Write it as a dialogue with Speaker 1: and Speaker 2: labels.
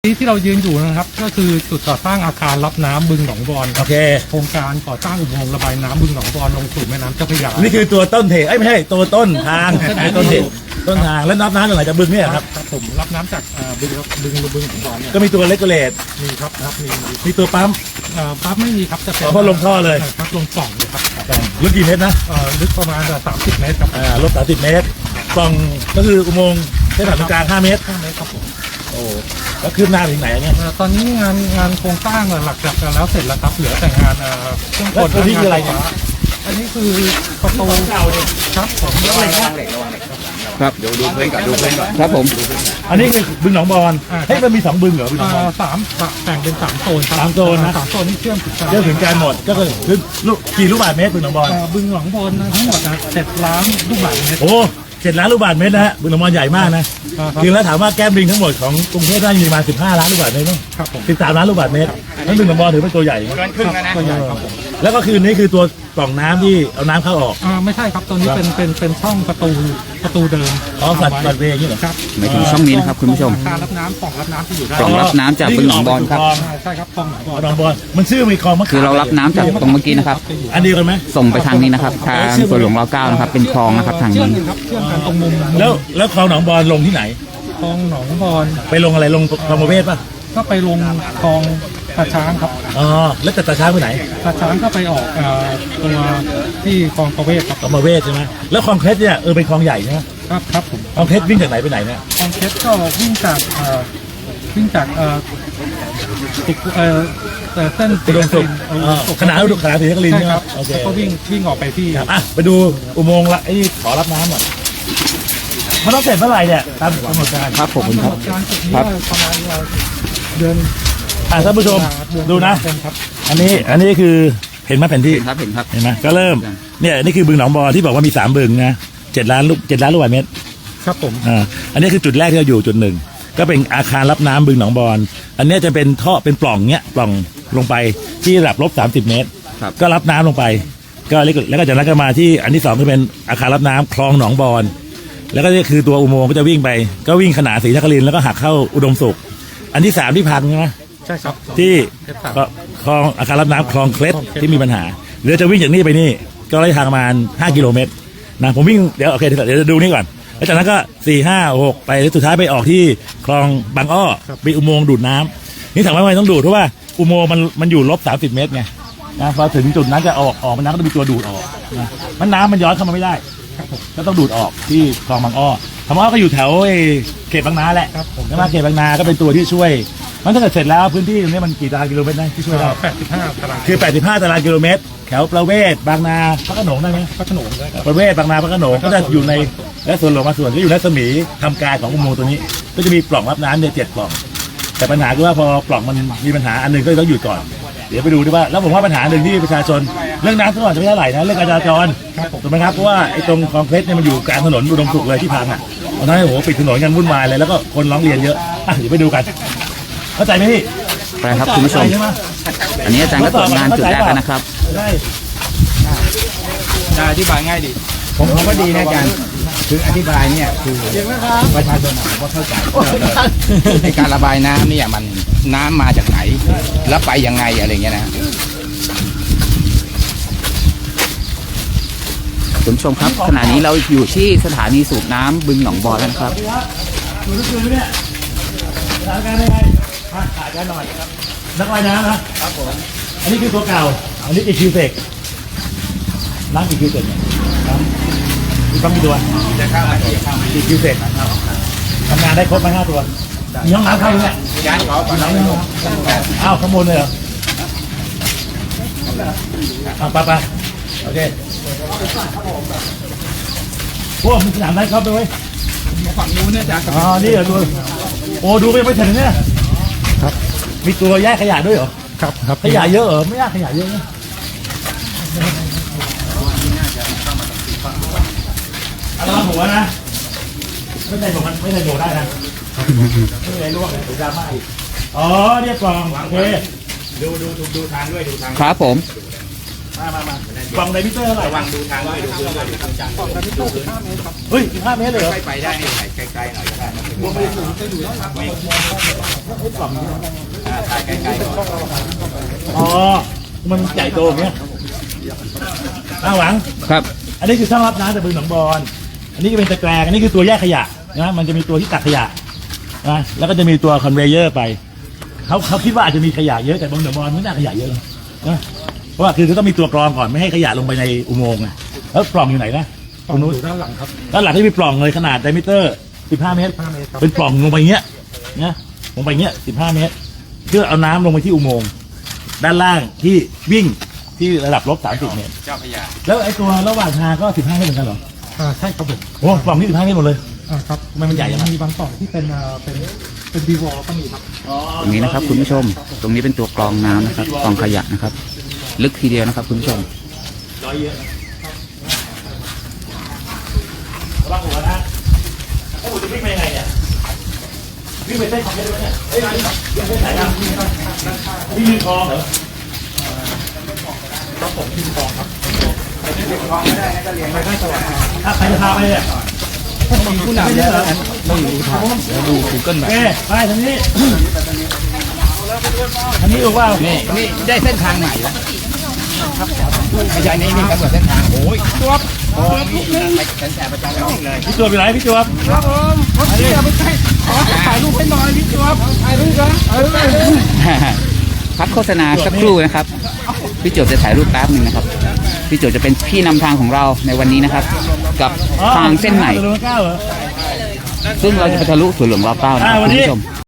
Speaker 1: ที่เรายืนอยู่นะครับก็คือจุดก่อสร้างอาคารรับน้ำบึงหนองบอน
Speaker 2: โอเค
Speaker 1: โครงการก่อสร้างอุโมงค์ระบายน้ำบึงหนองบอนลงสู่แม่น้ำเจ้าพระยา
Speaker 2: นี่คือตัวต้นเหตุไม่ใช่ตัวต้นทางต้นเหตุต้นทางแล้วน้ำจากไหนจากบึงเนี่ยครับ
Speaker 1: ผมรับน้ำจากบึงหนองบอนเนี่ย
Speaker 2: ก็มีตัวเลกูเลต
Speaker 1: มีครับมี
Speaker 2: มีตัวปั๊ม
Speaker 1: ปั๊บไม่มีครับจะเป็น
Speaker 2: เพราะลงท่อเลย
Speaker 1: ครับลงปล่องเลยครับ
Speaker 2: ลึกกี่เมตรนะ
Speaker 1: ลึกประมาณ30 เมตรครับ
Speaker 2: ลบ30 เมตรปล่องก็คืออุโมงค์เส้นผ่านตรงกลาง5 เมตร
Speaker 1: 5 เมตรครับผม
Speaker 2: โอ้แล้วคืบหน้าถึงไหนเนี่ย
Speaker 1: ตอนนี้งานโครงสร้างหลักจากแล้วเสร็จแล้วครับเหลือแต่งานเครื่องกล
Speaker 2: แล้วนี่คืออะไรเนี่ย
Speaker 1: อันนี้คือประตูเก่าเนี่ยครับผมระวังเหล็ก
Speaker 3: ครับดูเพื่อนก่อนดูเพื่อนก่อนครับผม
Speaker 2: อันนี้คือบึงหนองบอนเฮ้ยมันมี2บึงเหรอบึงหนองบอน
Speaker 1: แบ่งเป็น3 โซนครับ
Speaker 2: 3 โซนนะ
Speaker 1: 3 โซนนี่เชื่อมถึงกัน
Speaker 2: เรื่องถึงการหมดก็คือกี่ลูกบาศก์เมตรบึงหนองบอน
Speaker 1: บึงหนองบอนทั้งหมด7 ล้านลูกบาศก์เมตร
Speaker 2: โอ้7 ล้านลูกบาศก์เมตรนะฮะบึงหนองบอนใหญ่มากนะจริงแล้วถามว่าแก้มลิงทั้งหมดของกรุงเทพน่าจะมีประมาณ15 ล้านลูกบาศก์เมตรมั้ง
Speaker 1: ครับผม
Speaker 2: 13 ล้านลูกบาศก์เมตรนั่นบึงหนองบอนถือเป็นตัวใหญ่นะ
Speaker 3: เกินครึ่งแล้วนะ
Speaker 1: ตัวใหญ่ครับผม
Speaker 2: แล้วก็คือนี่คือตัวปล่องน้ำที่เอาน้ำเข้าออก
Speaker 1: ไม่ใช่ครับตัวนี้เป็นช่องประตูเดิม
Speaker 2: อ๋อสัตว์เวย์อย่างนี้เหรอ
Speaker 1: ครับ
Speaker 3: หมายถึงช่องนี้นะครับคุณผู้ชม
Speaker 1: อาคารรับน้ำปล่องรับน้ำที่อยู่ได้
Speaker 3: ปล่องรับน้ำจากบึงหนองบอนครับ
Speaker 1: ใช่ครับปล่องหนองบอน
Speaker 2: หนองบอนมันชื่อมีคลองมะขาม
Speaker 3: คือเรารับน้ำจากตรงเมื่อกี้นะครับ
Speaker 2: อันเดียวกันไหม
Speaker 3: ส่งไปทางนี้นะครับทางสวนหลวงร9นะครับเป็นคลองนะครับทาง
Speaker 1: เชื่อ
Speaker 3: นี้
Speaker 1: มกันครับเชื่อมกันตรงมุม
Speaker 2: แล้วคลองหนองบอนลงที่ไหน
Speaker 1: คลองหนองบอน
Speaker 2: ไปลงอะไรลงคลองประเวศป่ะ
Speaker 1: ก็ไปลงคลองตาช้างครับ
Speaker 2: อ๋อแล้วแต่ตาช้างไปไหน
Speaker 1: ตาช้างก็ไปออกตัวที่คลองประเวศครับ
Speaker 2: คลองประเวศใช่ไหมแล้วคลองเพชรเนี่ยเป็นคลองใหญ่ใช่ไหม
Speaker 1: ครับผม
Speaker 2: คลองเพชรวิ่งจากไหนไปไหนเนี่ย
Speaker 1: คลองเพชรก็วิ่งจากติดเส้น
Speaker 2: อุดมสุขขนาดขนาดศรีนครินทร์
Speaker 1: ใช่
Speaker 2: ใช่ไหม
Speaker 1: ครับ
Speaker 2: โอเค
Speaker 1: แล้วก็วิ่งออกไปที่
Speaker 2: ครับอ่ะไปดูอุโมงค์ละไอ้ขอรับน้ำหน่อยมันต้องเสร็จเมื่อไหร่เนี่ยตามกำหนดการ
Speaker 3: ครับผมครับ
Speaker 1: การจุดนี้
Speaker 3: ครับ
Speaker 1: ประมาณเดือน
Speaker 2: ท่านผู้ชมดูนะ
Speaker 1: ครับ
Speaker 2: อันนี้คือเห็นไหมแผนที่
Speaker 3: เห็นครับเห็นครับ
Speaker 2: เห็นไหมก็เริ่มเนี่ยนี่คือบึงหนองบอนที่บอกว่ามี3 บึงนะ7 ล้านลูกบาศก์เมตร
Speaker 1: ครับผม
Speaker 2: อันนี้คือจุดแรกที่เราอยู่จุดหนึ่งก็เป็นอาคารรับน้ำบึงหนองบอนอันนี้จะเป็นท่อเป็นปล่องเนี้ยปล่องลงไปที่ระดับ-30 เมตร
Speaker 3: ครับ
Speaker 2: ก็รับน้ำลงไปก็แล้วก็จากนั้นก็มาที่อันที่2ก็เป็นอาคารรับน้ำคลองหนองบอนแล้วก็นี่คือตัวอุโมงค์ก็จะวิ่งไปก็วิ่งขนานศรีนครินทร์แล้วก็หักเข้าอุดมสุขอันที่3ที่พังใช่ไหม
Speaker 1: ใช่ครับ
Speaker 2: ที่คลองอาคารรับน้ำคลองเคล็ดที่มีปัญหาเดี๋ยวจะวิ่งจากนี่ไปนี่ก็ระยะทางประมาณ5 กิโลเมตรนะผมวิ่งเดี๋ยวโอเคเดี๋ยวจะดูนี่ก่อนแล้วจากนั้นก็4 5 6ไปแล้วสุดท้ายไปออกที่คลองบางอ้อมีอุโมงค์ดูดน้ำนี่ถามว่าทำไมต้องดูดเพราะว่าอุโมงค์มันอยู่-30 เมตรไงนะพอถึงจุดนั้นจะออกมันน้ำก็ต้องมีตัวดูดออกนะมันน้ำมันย้อนเข้ามาไม่ได้ก็ต้องดูดออกที่คลองบางอ้อคำว่าก็อยู่แถวเขตบางนาแหละใช่ไหมเขตบางนาก็เป็นตัวที่ช่วยมันถ้าเกิดเสร็จแล้วพื้นที่ตรงนี้มันกี่ตารางกิโลเมตรได้ที่ช่วยได้
Speaker 1: 85 ตาราง
Speaker 2: คือ 85 ตารางกิโลเมตร แถวประเวศบางนาพระโขนงได้ไหม
Speaker 1: พระโขนงด้วยครับ
Speaker 2: ประเวศบางนาพระโขนงก็จะอยู่ในและส่วนหลวงมาส่วนก็อยู่ในรัศมีทำการของอุโมงค์ตัวนี้ ก็จะมีปล่องรับน้ำเนี่ย7 ปล่อง แต่ปัญหาคือว่าพอปล่องมันมีปัญหาอันหนึงก็ต้องหยุดก่อน เดี๋ยวไปดูดีว่าแล้วผมว่าปัญหาหนึ่งที่ประชาชนเรื่องน้ำท่วมจะไม่เท่าไหร่นะเรื่องการจราจรถูกไหมครับเพราะว่าไอ้ตรงคลองเพชรเนี่ยมันอยู่กลางถนนอุดมสุขเลยที่พังอ่ะตอนนั้นโอ้โหปิดถนนกันวุ่นวายเลยแล้วก็คนร้องเรียนเยอะอ่ะเดี๋ยวไปดูกันเข้าใจไหมพี่
Speaker 3: ไปครับคุณผู้ชม
Speaker 2: ใช่ไห
Speaker 3: อันนี้อาจารย์ก็ตรวจงานจุดแรกกันนะครับ
Speaker 2: ได้
Speaker 4: จะอธิบายง่ายดี ผมว่าดีนะอาจารย์คืออธิบายเนี่ยคือประชาชนผมก็เข้าใจในการระบายน้ำเนี่ยมันน้ำมาจากไหน แล้วไปยังไงอะไรเงี้ยนะ
Speaker 3: คุณผู้ชมครับขณะนี้เราอยู่ที่สถานีสูบน้ำบึงหนองบอนแล้วนะครับ
Speaker 2: ดูทุกคืนไหมเนี่ยสถานการณ์ยังไงมาถ่ายกันหน่อยครับนักว่ายน้ำนะครับผมอันนี้คือตัวเก่าอันนี้กี่คิวเซกน้ำกี่คิวเซกเนี่ยน้ำมีต้องมีตัว
Speaker 4: จะเข้ามาที่เข้ามา
Speaker 2: กี่คิวเซกทำงานได้ครบไหม5 ตัวมีห้องน้ำเข้าไหมเนี่ย
Speaker 4: ย้ายขอก่อนน้อง
Speaker 2: อ้าวข้างบนเลยเหรอเอาไปโอเคพวกมันสนามได้ครับด้วย
Speaker 4: ฝั่งนู้นเนี่ยอาจารย์
Speaker 2: อ๋อนี่เหรอดูโอ้ดูไปไม่ถึงเนี่ยครับมีตัวแยกขยะด้วยเหรอ
Speaker 1: ครับ
Speaker 2: ขยะเยอะเหรอไม่ยากขยะเยอะนะระวังหัวนะไม่ใช่ผมไม่ใช่โดดได้นะไม่ใช่ล่วงเลยดราม่าอีกอ๋อเรียบกล่องโอเค
Speaker 4: ดูทางด้วยดูทาง
Speaker 3: ครับผม
Speaker 2: อมาฝั่งไดมิเตอร์เท่าไหร่
Speaker 4: ระวังดูทางด้วยดูพื้นด้วยดูพื้นจัง
Speaker 2: เฮ้ย15 เมตรเลยเหรอ
Speaker 4: ไปได้ไกลๆหน่อยก็ได้นะถ่ายไกลๆ
Speaker 2: อ๋อมันใหญ่โตอย่างเงี้ยหวัง
Speaker 3: ครับ
Speaker 2: อันนี้คือช่างรับน้ำจากบึงหนองบอนอันนี้ก็เป็นตะแกรงอันนี้คือตัวแยกขยะนะมันจะมีตัวที่ตักขยะนะแล้วก็จะมีตัวคอนเวเยอร์ไปเขาคิดว่าอาจจะมีขยะเยอะแต่บึงหนองบอนไม่น่าขยะเยอะนะเพราะว่าคือต้องมีตัวกรองก่อนไม่ให้ขยะลงไปในอุโมงค์นะแล้วปล่องอยู่ไหนนะ
Speaker 1: ฝั่งนู้นอยู่ด้านหลังครับ
Speaker 2: ด้านหลังที่มีปล่องเลยขนาดไดมิเตอร์15 เมตร
Speaker 1: 5 เมตรครับ
Speaker 2: เป็นปล่องลงไปเงี้ยนะลงไปเงี้ย15 เมตรเพื่อเอาน้ำลงไปที่อุโมงค์ด้านล่างที่วิ่งที่ระดับลบ30 เมตร
Speaker 4: เจ้าพระยา
Speaker 2: แล้วไอ้ตัวระหว่างทางก็15 เมตรเหมือนกันเหรอ
Speaker 1: ใช่ครับผม
Speaker 2: โอ้ปล่องนี่15 เมตรหมดเลย
Speaker 1: ครับ
Speaker 2: ทำไมมันใหญ่จังวะ
Speaker 1: มีบางปล่องที่เป็นบีวอลก็มีครับ
Speaker 3: ตรงนี้นะครับคุณผู้ชม ตรงนี้เป็นตัวกรองน้ำนะครับกรองขยะนะครับ ลึกทีเดียวนะครับคุณผู้ชม
Speaker 2: ร้อยเยอะระวังหัวนะไอ้หัวจะวิ่งไปยังไงเนี่ยวิ่งไปเส้นของได้ไหมเนี่ยเอ้ยวิ่งไปไหนครับวิ่งริมคลองเหรอ
Speaker 1: ผมทีมกองครับ
Speaker 2: ถ้าใครจะพาไปเนี่ย
Speaker 1: มีผู้นำแล้วต้องอยู่ทางแล้วดูกูเกิล
Speaker 2: โอ
Speaker 1: แบบ
Speaker 2: เคไปทางนี้ทางนี้ถูกเปล่า
Speaker 4: นี่ได้เส้นทางใหม่แล้วไม่ใช่นี่กำหนดเส้นทางโอ้ยตัวไปแสบประจำเลย
Speaker 2: พี่จวบอยู่ไหนพี่จวบ
Speaker 1: ครับผมผมเสียไม่ใช่ขอถ่ายรูปให้หน่อยพี่จวบถ่ายรูปนะ
Speaker 3: พักโฆษณาสักครู่นะครับ พี่โจบจะถ่ายรูปแป๊บหนึ่งนะครับ พี่โจบจะเป็นพี่นำทางของเราในวันนี้นะครับ กับทางเส้นใหม่
Speaker 2: ถนนเก้าเหรอ
Speaker 3: ซึ่งเราจะไปทะลุสวนหลวงรอบเก้านะครับคุณผู้ชม